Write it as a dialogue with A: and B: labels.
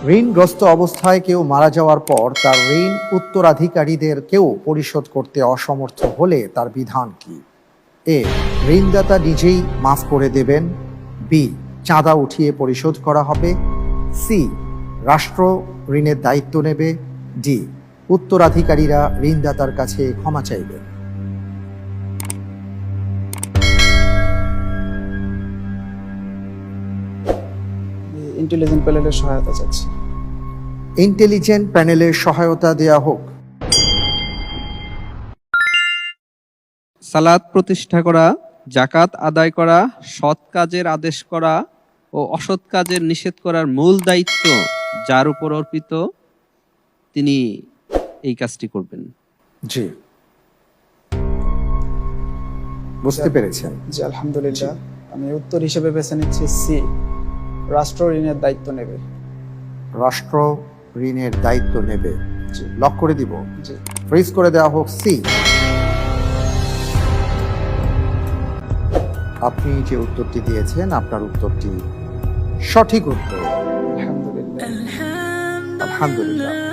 A: ঋণগ্রস্ত অবস্থায় কেউ মারা যাওয়ার পর তার ঋণ উত্তরাধিকারীদের কেউ পরিশোধ করতে অসমর্থ হলে তার বিধান কি? এ, ঋণদাতা নিজেই মাফ করে দেবেন। বি, চাঁদা উঠিয়ে পরিশোধ করা হবে। সি, রাষ্ট্র ঋণের দায়িত্ব নেবে। ডি, উত্তরাধিকারীরা ঋণদাতার কাছে ক্ষমা চাইবেন।
B: ইন্টেলিজেন্ট প্যানেলের সহায়তা চাচ্ছি।
A: ইন্টেলিজেন্ট প্যানেলের সহায়তা দেয়া হোক।
C: সালাত প্রতিষ্ঠা করা, জাকাত আদায় করা, সৎ কাজের আদেশ করা ও অসৎ কাজের নিষেধ করার মূল দায়িত্ব যার উপর অর্পিত, তিনি এই কাজটি করবেন।
A: জি, বুঝতে পেরেছেন?
B: জি আলহামদুলিল্লাহ, আমি উত্তর হিসেবে বেছে নিচ্ছি সি, রাষ্ট্র ঋণের দায়িত্ব নেবে।
A: রাষ্ট্র ঋণের দায়িত্ব নেবে।
B: জি।
A: লক করে দিব।
B: জি।
A: ফ্রিজ করে দেওয়া হোক সি। আপনি যে উত্তরটি দিয়েছেন, আপনার উত্তরটি সঠিক উত্তর।
B: আলহামদুলিল্লাহ।
A: আলহামদুলিল্লাহ।